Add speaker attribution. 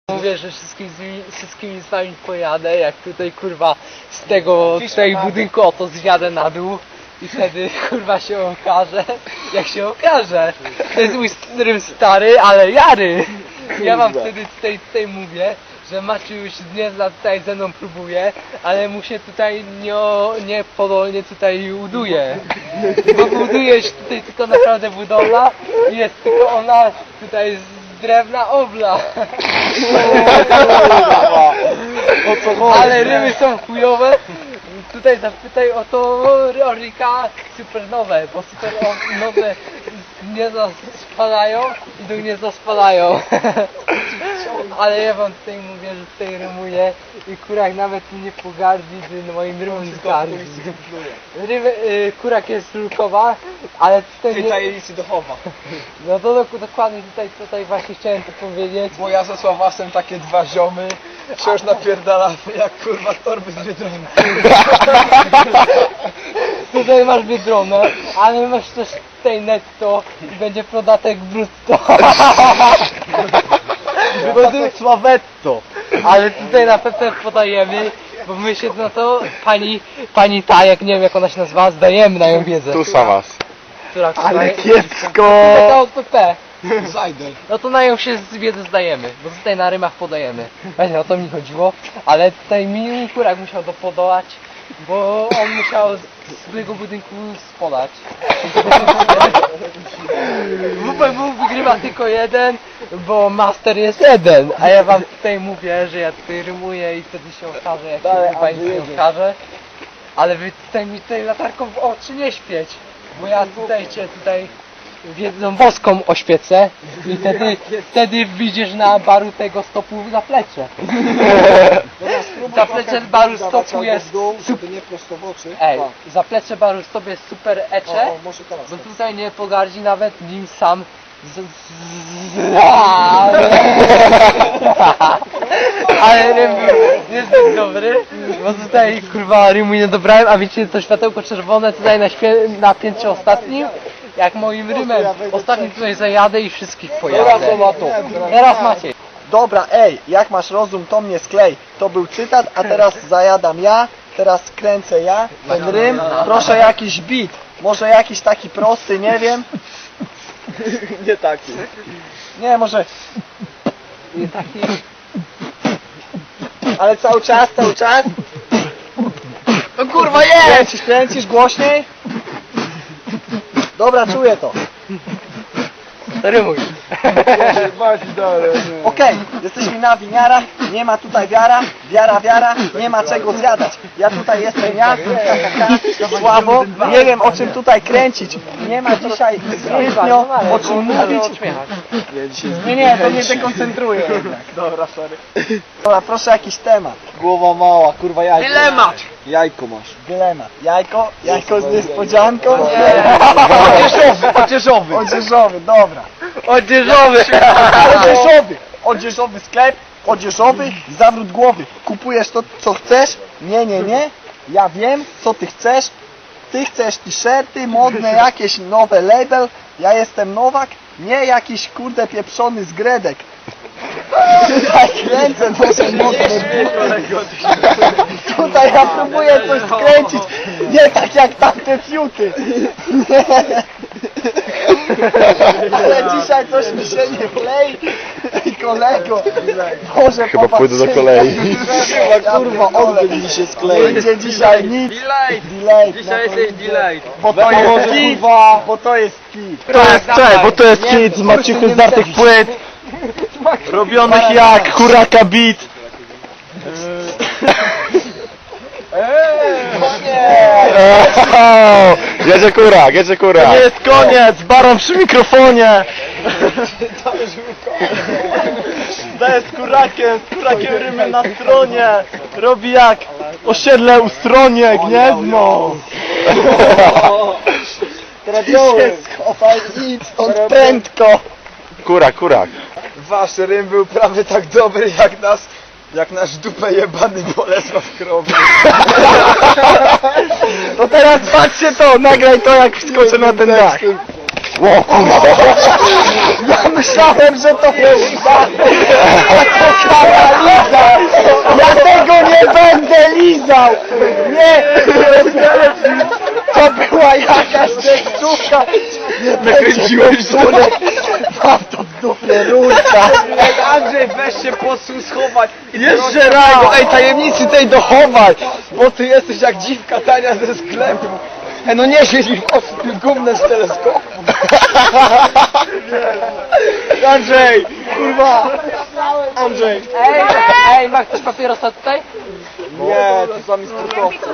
Speaker 1: Mówię, że wszystkimi z wami pojadę, jak tutaj kurwa z tej budynku oto zjadę na dół i wtedy kurwa się okaże, jak się okaże. To jest mój stary, ale jary. Ja wam wtedy tutaj mówię, że Maciu już nie zna tutaj ze mną próbuje, ale mu się tutaj nie podolnie tutaj uduje. Bo buduje się tutaj tylko naprawdę budowla i jest tylko ona tutaj z drewna obla. Ale ryby są chujowe. Tutaj zapytaj o to Rorika supernowe, bo supernowe gniazda spadają i do gniazda spadają. Ale ja wam tutaj mówię, że tutaj rymuję i kurak nawet nie pogardzi, gdy moim rymem zgardzi. Kurak jest rurkowa, ale tutaj nie...
Speaker 2: tajemnicy dochowa.
Speaker 1: No to dokładnie tutaj właśnie chciałem to powiedzieć.
Speaker 2: Bo ja ze Sławasem takie dwa ziomy wciąż napierdalamy jak kurwa torby z Biedronki.
Speaker 1: Tutaj masz Biedronę, ale masz też tutaj netto i będzie podatek brutto.
Speaker 2: Podatek Sławetto.
Speaker 1: Ale tutaj na pewno podajemy, bo my się na to pani ta, jak nie wiem jak ona się nazywa, zdajemy na ją wiedzę.
Speaker 3: Tu Sawas.
Speaker 1: Która
Speaker 3: Ale
Speaker 1: Taka
Speaker 3: kiepsko!
Speaker 1: OPP.
Speaker 2: Zajdel.
Speaker 1: No to na ją się z wiedzy zdajemy, bo tutaj na rymach podajemy. Właśnie o to mi chodziło, ale tutaj mi kurak musiał podołać, bo on musiał z swojego budynku spodać. WPW wygrywa tylko jeden, bo master jest jeden, a ja wam tutaj mówię, że ja tutaj rymuję i wtedy się okaże, jak się pani nie okaże. Ale wy tutaj mi tutaj latarką w oczy nie świeć, bo ja tutaj cię wiedzą boską oświecę i wtedy widzisz na baru tego stopu zaplecze. Zaplecze baru stopu jest
Speaker 2: Żeby nie prosto w oczy.
Speaker 1: zaplecze baru stopu jest super ecze,
Speaker 2: Może teraz.
Speaker 1: bo tutaj nie pogardzi nawet nim sam ale rym jest zbyt dobry, bo tutaj kurwa rymu nie dobrałem, a wiecie to światełko czerwone tutaj na piętrze ostatnim, jak moim rymem ostatnim tutaj zajadę i wszystkich pojadę. Teraz macie.
Speaker 2: Dobra, ej, jak masz rozum, to mnie sklej. To był cytat, a teraz zajadam ja, teraz kręcę ja ten rym. Proszę jakiś beat, może jakiś taki prosty, nie wiem. Nie taki. Nie, może...
Speaker 1: I taki...
Speaker 2: Ale cały czas, cały czas.
Speaker 1: No kurwa jest!
Speaker 2: Kręcisz głośniej? Dobra, czuję to.
Speaker 1: Rymuj.
Speaker 2: Okej, jesteśmy na winiarach, nie ma tutaj wiara, nie ma czego zjadać. Ja tutaj jestem ja, słabo, nie wiem o czym tutaj kręcić. Nie ma dzisiaj zbytnio o czym mówić. Nie, to mnie dekoncentruje jednak. Dobra, sorry. Dobra, proszę jakiś temat. Głowa mała, kurwa jajko.
Speaker 1: Dylemat!
Speaker 2: Jajko masz. Dylemat. Jajko z niespodzianką?
Speaker 1: Odzieżowy.
Speaker 2: Odzieżowy, dobra.
Speaker 1: Odzieżowy!
Speaker 2: Odzieżowy sklep, odzieżowy, zawrót głowy. Kupujesz to, co chcesz? Nie. Ja wiem, co ty chcesz. Ty chcesz t-shirty, modne jakieś nowe label. Ja jestem Nowak, nie jakiś kurde pieprzony z Gredek. Tutaj kręcę, może mocno. Tutaj ja próbuję coś skręcić. Nie tak jak tamte fiuty. Ale dzisiaj coś mi się nie klei. Ej, kolego, może
Speaker 3: Chyba pójdę do kolei.
Speaker 2: Kurwa, oddech mi się sklei. Będzie dzisiaj nic. Delay.
Speaker 1: Dzisiaj jesteś delay.
Speaker 2: Bo to jest kit. Bo to jest kit.
Speaker 3: Bo to jest kit z maciuchy zdartych płyt, robionych jak huraka beat. Jedzie kurak. To nie jest koniec, baron przy mikrofonie. To jest kurakiem rymy na stronie. Robi jak osiedle u stronie, gniezno.
Speaker 2: Się schowaj, idź stąd prędko.
Speaker 3: Kurak.
Speaker 2: Wasz rym był prawie tak dobry jak nasz dupę jebany Bolesław Krowy.
Speaker 3: No teraz patrzcie to, nagraj to jak wskoczę na ten dach.
Speaker 2: O kurwa! Ja myślałem, że to jest taka liza! Ja tego nie będę lizał! Nie! To była jakaś tekstówka! Nakręciłeś to! Mam to w dupie, rurka!
Speaker 3: Andrzej, weź się posuń schować.
Speaker 2: Jeszcze raz! Ej, tajemnicy tej dochowaj! Bo ty jesteś jak dziwka tania ze sklepu! No nie siedź mi w oczy tym gównem z teleskopu! Andrzej! Kurwa! Andrzej!
Speaker 1: Ej, ma ktoś papierosa tutaj?
Speaker 2: Nie, to sami sportowcy.